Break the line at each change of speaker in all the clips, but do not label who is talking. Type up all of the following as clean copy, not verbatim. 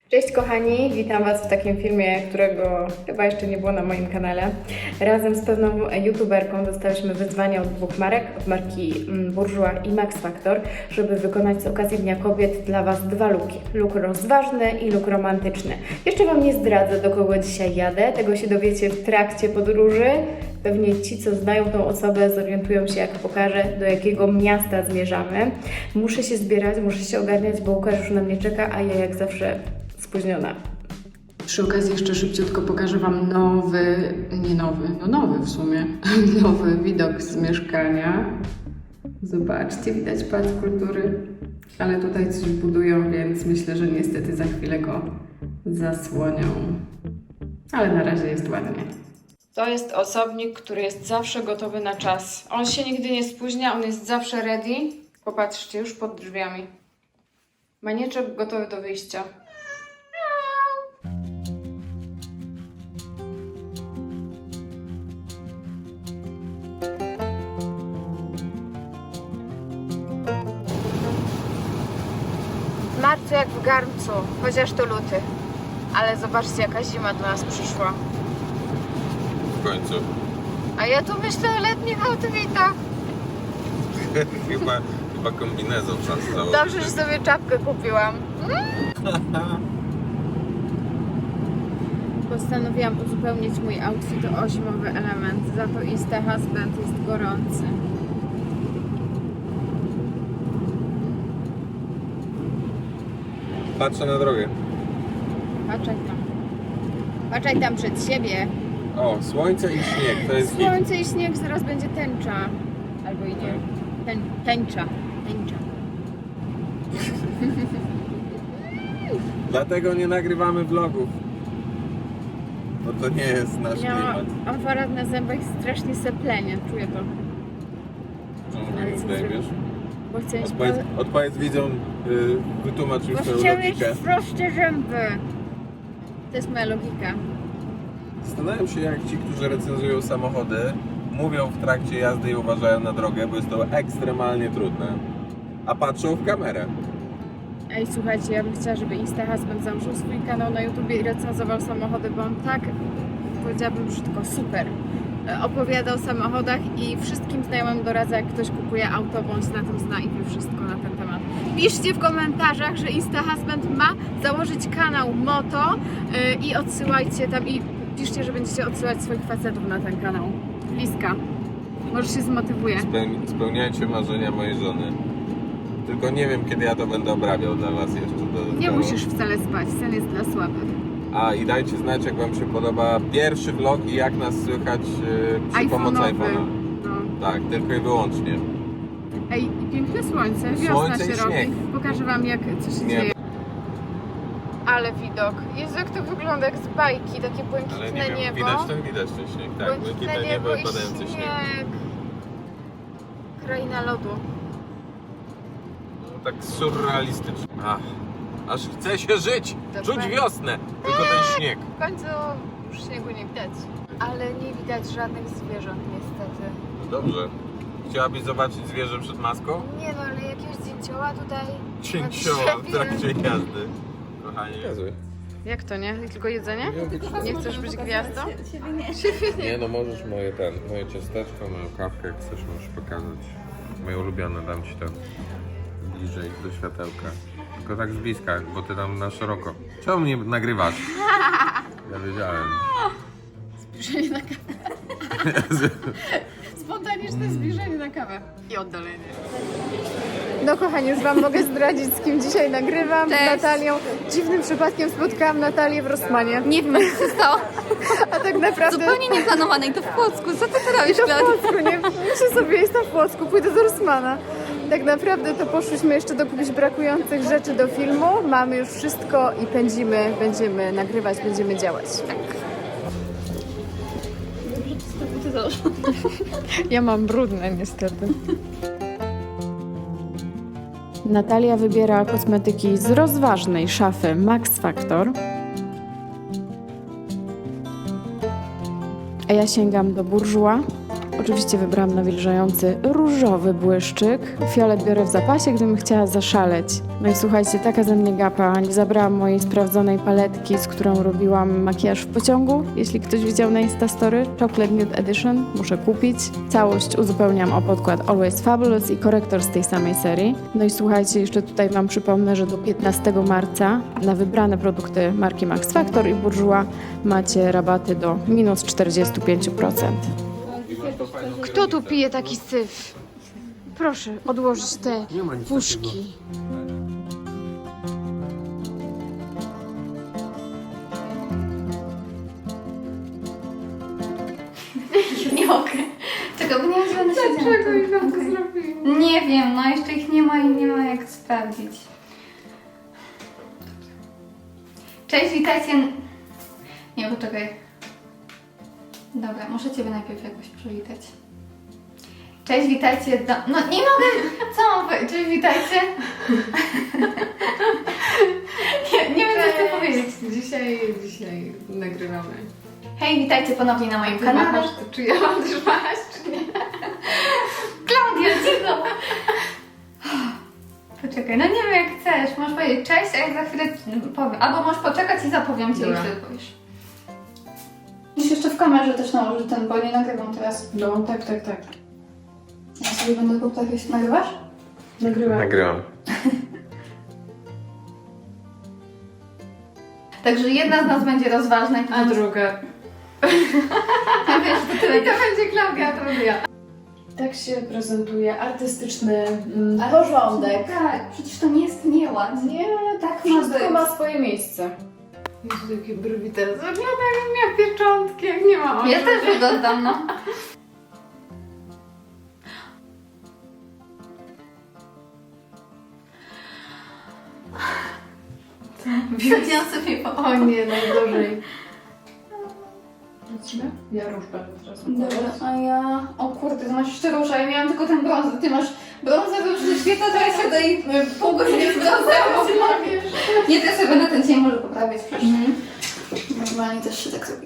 Cześć kochani, witam Was w takim filmie, którego chyba jeszcze nie było na moim kanale. Razem z pewną youtuberką dostałyśmy wyzwanie od dwóch marek, od marki Bourjois i Max Factor, żeby wykonać z okazji Dnia Kobiet dla Was dwa looki. Look rozważny i look romantyczny. Jeszcze Wam nie zdradzę, do kogo dzisiaj jadę, tego się dowiecie w trakcie podróży. Pewnie ci, co znają tą osobę, zorientują się, jak pokażę, do jakiego miasta zmierzamy. Muszę się zbierać, muszę się ogarniać, bo Łukasz już na mnie czeka, a ja jak zawsze spóźniona. Przy okazji jeszcze szybciutko pokażę Wam nowy w sumie, nowy widok z mieszkania. Zobaczcie, widać Pałac Kultury, ale tutaj coś budują, więc myślę, że niestety za chwilę go zasłonią. Ale na razie jest ładnie. To jest osobnik, który jest zawsze gotowy na czas. On się nigdy nie spóźnia, on jest zawsze ready. Popatrzcie, już pod drzwiami. Manieczek gotowy do wyjścia. W marcu jak w garncu, chociaż to luty. Ale zobaczcie, jaka zima do nas przyszła.
W końcu.
A ja tu myślę o letnich outfitach.
chyba kombinezon czas założyć.
Dobrze, że sobie czapkę kupiłam. Postanowiłam uzupełnić mój outfit o zimowy element. Za to Insta Husband jest gorący.
Patrzę na drogę.
Patrzaj tam. Patrzaj tam przed siebie.
O, słońce i śnieg, to jest hit.
Słońce i śnieg, zaraz będzie tęcza. Albo i nie. Tęcza.
Dlatego nie nagrywamy vlogów. Bo to nie jest nasz klimat.
Aparat na zębach strasznie seplenie, czuję to.
Czemu
Ale
tak
co
zdejmiesz?
Bo chcę mieć
Odpowiedz widzom, wytłumacz już swoją
chciałem mieć
logikę.
proste zęby. To jest moja logika.
Zastanawiam się, jak ci, którzy recenzują samochody, mówią w trakcie jazdy i uważają na drogę, bo jest to ekstremalnie trudne. A patrzą w kamerę.
Ej, słuchajcie, ja bym chciała, żeby Insta Husband założył swój kanał na YouTubie i recenzował samochody, bo on tak, powiedziałabym brzydko, super opowiada o samochodach i wszystkim znajomym doradza, jak ktoś kupuje auto, bo on się na tym zna i wie wszystko na ten temat. Piszcie w komentarzach, że Insta Husband ma założyć kanał Moto i odsyłajcie tam i piszcie, że będziecie odsyłać swoich facetów na ten kanał. Bliska. Może się zmotywuje.
Spełniajcie marzenia mojej żony. Tylko nie wiem, kiedy ja to będę obrabiał dla was jeszcze dodatkowo.
Nie musisz wcale spać, sen jest dla słabych.
A i dajcie znać, jak wam się podoba pierwszy vlog i jak nas słychać przy pomocy iPhone'a.
No.
Tak, tylko i wyłącznie.
Ej, piękne słońce, wiosna
Słońce
się
i
robi.
śnieg.
Pokażę wam, co się dzieje. Ale widok. Jezu, jak to wygląda, jak z bajki, takie błękitne
Ale nie wiem,
niebo.
widać ten śnieg, tak, błękitne niebo i padający śnieg.
Kraina lodu.
No, tak surrealistycznie. Aż chce się żyć, czuć wiosnę, tylko ten śnieg.
W końcu już śniegu nie widać. Ale nie widać żadnych zwierząt niestety.
Dobrze. Chciałabyś zobaczyć zwierzę przed maską?
Nie no, ale jakiegoś dzięcioła tutaj...
Cięcioła w trakcie jazdy. Kochanie. Jak to nie? Tylko jedzenie? Nie chcesz być gwiazdą? Nie no, możesz moje ciasteczko, moją kawkę, jak chcesz, możesz pokazać. Moje ulubione, dam ci to bliżej do światełka. Tylko tak z bliska, bo ty tam na szeroko. Czemu mnie nagrywasz? Ja wiedziałem.
Zbliżenie na kawę. Spontaniczne zbliżenie na kawę. I oddalenie. No kochani, już wam mogę zdradzić, z kim dzisiaj nagrywam.
Cześć.
Z Natalią. Dziwnym przypadkiem spotkałam Natalię w Rossmanie.
Nie wiem, jak się stało.
A tak naprawdę...
Zupełnie nieplanowane i to w Płocku. Co ty robisz,
To w
Piotr?
Płocku, nie? Myślę sobie, jestem w Płocku, pójdę do Rossmana. Tak naprawdę to poszłyśmy jeszcze dokupić brakujących rzeczy do filmu. Mamy już wszystko i pędzimy, będziemy nagrywać, będziemy działać. Ja mam brudne niestety. Natalia wybiera kosmetyki z rozważnej szafy Max Factor. A ja sięgam do Bourjois Oczywiście wybrałam nawilżający różowy błyszczyk. Fiolet biorę w zapasie, gdybym chciała zaszaleć. No i słuchajcie, taka ze mnie gapa. Nie zabrałam mojej sprawdzonej paletki, z którą robiłam makijaż w pociągu. Jeśli ktoś widział na Instastory, Chocolate Nude Edition, muszę kupić. Całość uzupełniam o podkład Always Fabulous i korektor z tej samej serii. No i słuchajcie, jeszcze tutaj wam przypomnę, że do 15 marca na wybrane produkty marki Max Factor i Bourjois macie rabaty do minus 45%.
Kto tu pije taki syf? Proszę odłożyć te puszki.
Nie mogę. Czekaj, bo nie wiem, że one się
Dlaczego ich wam to zrobiło?
Nie wiem, no jeszcze ich nie ma i nie ma jak sprawdzić. Cześć, witajcie. Nie, poczekaj. Dobra, muszę Ciebie najpierw jakoś przywitać. Cześć, witajcie do... No nie mogę! Co mam powiedzieć? Cześć, witajcie. Nie wiem, co chcę powiedzieć.
Dzisiaj nagrywamy.
Hej, witajcie ponownie na moim kanale.
Machasz to, czy ja mam też machać, czy nie?
Klaudia, cicho! Poczekaj, no nie wiem jak chcesz. Możesz powiedzieć cześć, a ja za chwilę powiem. Albo możesz poczekać i zapowiem Ci, i
Dobra.
wtedy powiesz. Musisz jeszcze w kamerze też nałożyć ten, bo nie nagrywam teraz.
No, tak.
Ja sobie będę powtarzać. Nagrywasz?
Nagrywam.
Także jedna z nas będzie rozważna i
A druga.
ja wiesz, to tyle.
I to będzie Klaudia, a to będę ja. Tak się prezentuje artystyczny porządek.
Tak, przecież to nie jest nieładnie. Tak ma
Wszystko
być.
ma swoje miejsce. Jezu, jakie brwi teraz wygląda, jakbym miała pieczątki, jak nie ma oczu.
Ja też wyglądam, no. Wziąłem sobie po...
O nie, najgorzej. Ja róż będę teraz
Dobra, a ja... O kurde, ty masz jeszcze róża, ja miałam tylko ten brąz, ty masz brązowy już ze świetla, to ja się daję pół godziny z brązowym. Nie, to ja sobie będę ten cień może poprawiać przecież. Normalnie też się tak zrobi.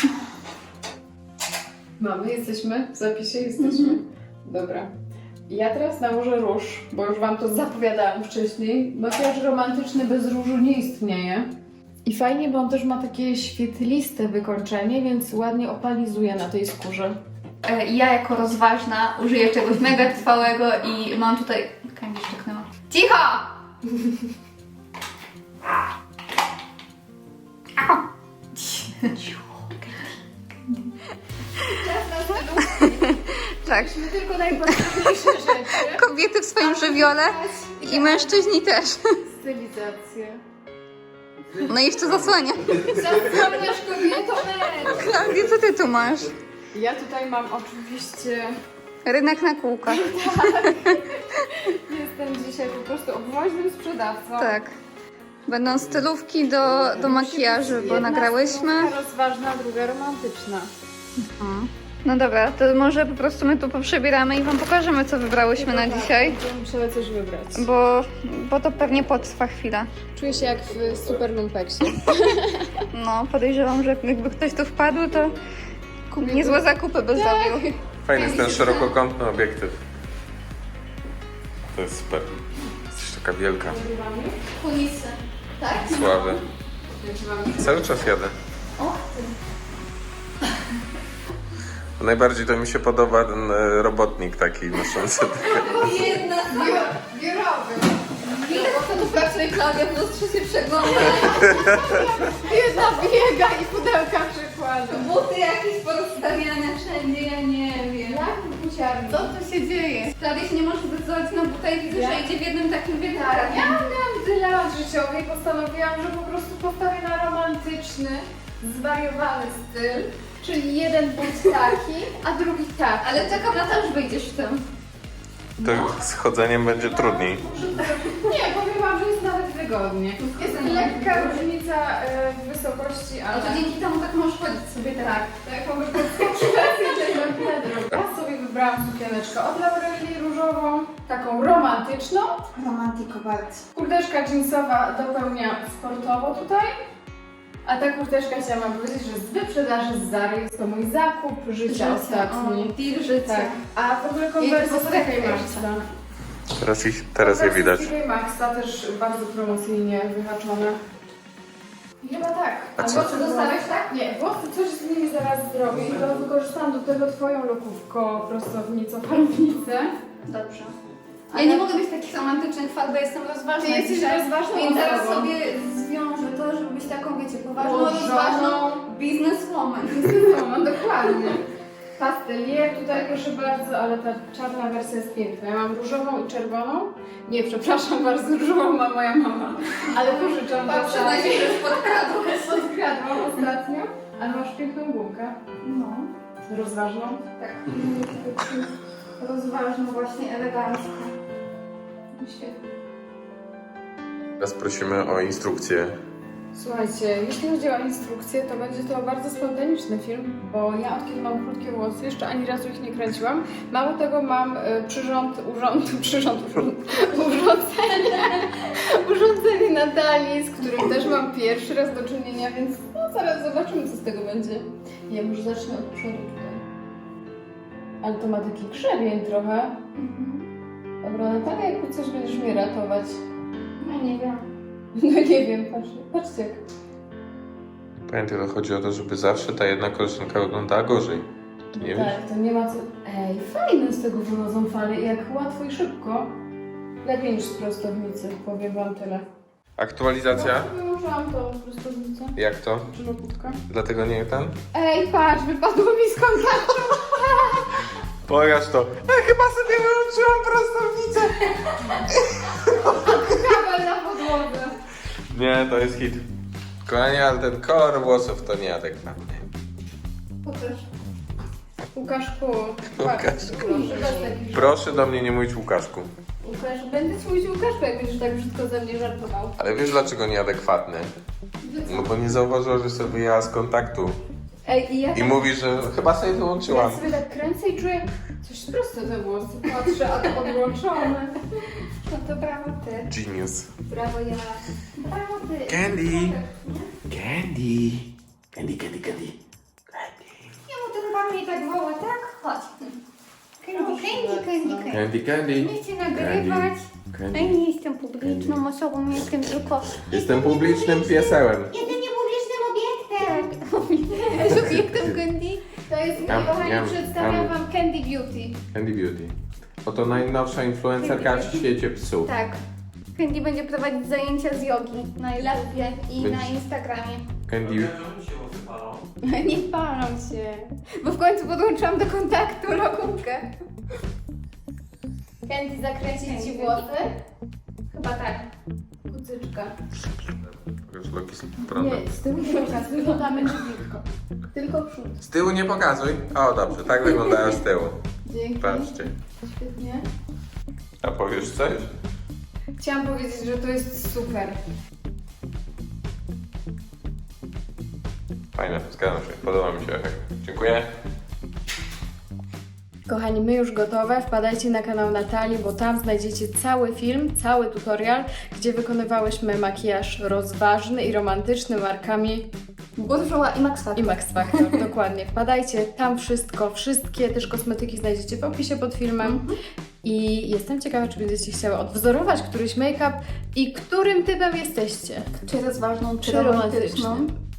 Mamy, jesteśmy? W zapisie jesteśmy? Dobra. Ja teraz nałożę róż, bo już wam to zapowiadałam wcześniej. Makijaż romantyczny bez różu nie istnieje. I fajnie, bo on też ma takie świetliste wykończenie, więc ładnie opalizuje na tej skórze.
Ja jako rozważna użyję czegoś mega trwałego i mam tutaj... Kędzisz czeknęła. Cicho!
Tak. Tylko najpotrzebniejsze rzeczy.
Kobiety w swoim żywiole i mężczyźni też.
Stylizację.
No i jeszcze zasłania.
Zasłaniasz kobietą.
Klaudia, co ty tu masz?
Ja tutaj mam oczywiście...
Rynek na kółkach.
Jestem dzisiaj po prostu obwoźnym sprzedawcą.
Tak. Będą stylówki do makijażu, bo
Jedna
nagrałyśmy.
stylówka rozważna, druga romantyczna.
No dobra, to może po prostu my tu poprzebieramy i wam pokażemy, co wybrałyśmy na dzisiaj.
Będziemy musiały coś wybrać.
Bo to pewnie potrwa chwilę.
Czuję się jak w super lumpeksie.
No, podejrzewam, że jakby ktoś tu wpadł, to niezłe zakupy by zrobił.
Fajny jest ten szerokokątny obiektyw. To jest super. Jesteś taka wielka.
Kulisy. Tak?
Sławy. Cały czas jadę. Najbardziej to mi się podoba ten robotnik taki noszący.
Jedna
Biurowy.
Ile kto tu pracuje, Klaudia, w lustrze się przegląda.
Jedna biega i pudełka przykłada.
Buty jakieś porozstawiane wszędzie, ja nie wiem.
Jak buciarni?
Co tu się dzieje? Klaudia się nie może zdecydować na buta i widzę, że idzie w jednym takim wielkim.
Ja miałam tyle lat życiowych i postanowiłam, że po prostu postawię na romantyczny, zwariowany styl. Czyli jeden but taki, a drugi taki.
Ale czekam na to, że wyjdziesz w tym.
To z chodzeniem będzie trudniej.
Nie, powiem wam, że jest nawet wygodnie. Jest lekka różnica w wysokości,
No
ale...
to dzięki temu tak możesz chodzić sobie tak.
Tak, mogę podskoczyć Ja sobie wybrałam sukieneczkę od Laureli różową, taką romantyczną.
Romantiko bardzo.
Kurteczka jeansowa dopełnia sportowo tutaj. A ta kurteczka chciałam wam powiedzieć, że z wyprzedaży z Zary jest to mój zakup życia ostatni.
Deal życia.
Tak. A w ogóle konwersja z TK Maxa.
Teraz je widać.
Z TK Maxa też bardzo promocyjnie wyhaczone. I chyba tak.
A
A
co?
włosy dostałeś, tak? Nie, włosy coś z nimi zaraz zrobię i to wykorzystam do tego twoją lokówko, prostownicą, farbnicę.
Dobrze. Ja nie mogę być takich romantycznych farb, bo jestem rozważna.
Ty jesteś
dzisiaj,
rozważną
Więc zaraz
osobą.
sobie zwiążę to, żeby być taką, wiecie, poważną,
Ułożoną.
rozważną bizneswoman.
No dokładnie. Pastelier tutaj proszę bardzo, ale ta czarna wersja jest piękna. Ja mam różową i czerwoną. Nie, przepraszam bardzo, różową ma moja mama. Ale pożyczam do
Przyznaj się, że
Podkradłam ostatnio, ale masz piękną gumkę.
No,
Rozważną.
tak. Rozważną, właśnie elegancko. Świetnie.
Teraz prosimy o instrukcję.
Słuchajcie, jeśli chodzi o instrukcję, to będzie to bardzo spontaniczny film, bo ja od kiedy mam krótkie włosy, jeszcze ani razu ich nie kręciłam. Mało tego mam urządzenie Natalii, z którym też mam pierwszy raz do czynienia, więc no, zaraz zobaczymy, co z tego będzie. Ja może zacznę od przodu tutaj. Ale to ma taki grzebień trochę. Dobra, Natalia, jakby coś będziesz mnie ratować.
No nie wiem.
No nie wiem, patrzcie jak.
Pamiętaj, to chodzi o to, żeby zawsze ta jedna koleżanka wyglądała gorzej. Ty nie wiesz?
Tak, to nie ma co... Ej, fajne z tego wychodzą fale, jak łatwo i szybko. Lepiej niż z prostownicy, powiem wam tyle.
Aktualizacja?
No, wyłączyłam tą prostownicę.
Jak to?
Czy loputkę?
Dlatego nie ten?
Ej, patrz, wypadło mi z kontaktu.
Pokaż to. Chyba sobie wyłączyłam prostownicę.
Kabel na podłodze.
Nie, to jest hit. Kochanie, ale ten kolor włosów to nieadekwatny.
Pokaż. Łukaszku.
Łukaszku.
Proszę, bez takich
Proszę do mnie nie mówić Łukaszku.
Łukasz, będę ci mówić Łukaszku, jak będziesz tak brzydko ze mnie żartował.
Ale wiesz dlaczego nieadekwatny? No bo nie zauważyła, że sobie wyjęła z kontaktu.
Ej, i ja
I mówi, że chyba sobie wyłączyłam.
Ja sobie tak kręcę i czuję coś prosto te włosy. Patrzę, a to odłączone.
No to brawo ty.
Genius.
Brawo ja. Brawo ty.
Candy. Candy. Candy, candy, candy.
Ja mu ten pan mnie tak woła, tak? Chodź. Candy.
Candy, candy.
Nie chcę nagrywać.
Candy.
Ja nie jestem publiczną osobą, jestem tylko...
Jestem publicznym piesełem.
Jedynie publicznym obiektem. Jest obiektem Candy?
To jest,
Jam,
kochani,
jam,
przedstawiam
jam.
wam Candy Beauty.
Candy Beauty. Oto najnowsza influencerka w świecie psów.
Tak. Candy będzie prowadzić zajęcia z jogi na YouTubie i na Instagramie.
Candy.
Nie palą się. Bo w końcu podłączyłam do kontaktu lokówkę. Candy, zakręcić ci włosy?
Chyba tak.
Kucyczka.
Już Loki z prądem.
Nie, z tyłu nie pokaż, tylko damy tylko. Tylko przód.
Z tyłu nie pokazuj. O, dobrze, tak wyglądają z tyłu.
Dzięki.
Patrzcie.
Świetnie.
A powiesz coś?
Chciałam powiedzieć, że to jest super.
Fajne, zgadzam się. Podoba mi się efekt. Dziękuję.
Kochani, my już gotowe. Wpadajcie na kanał Natalii, bo tam znajdziecie cały film, cały tutorial, gdzie wykonywałyśmy makijaż rozważny i romantyczny markami
Bourjois i Max Factor.
i Max Factor. Dokładnie. Wpadajcie, tam wszystko, wszystkie też kosmetyki znajdziecie w opisie pod filmem. I jestem ciekawa, czy będziecie chciały odwzorować któryś make-up i którym typem jesteście.
Czy rozważną, czy
Czy
romantyczną.
romantycznym.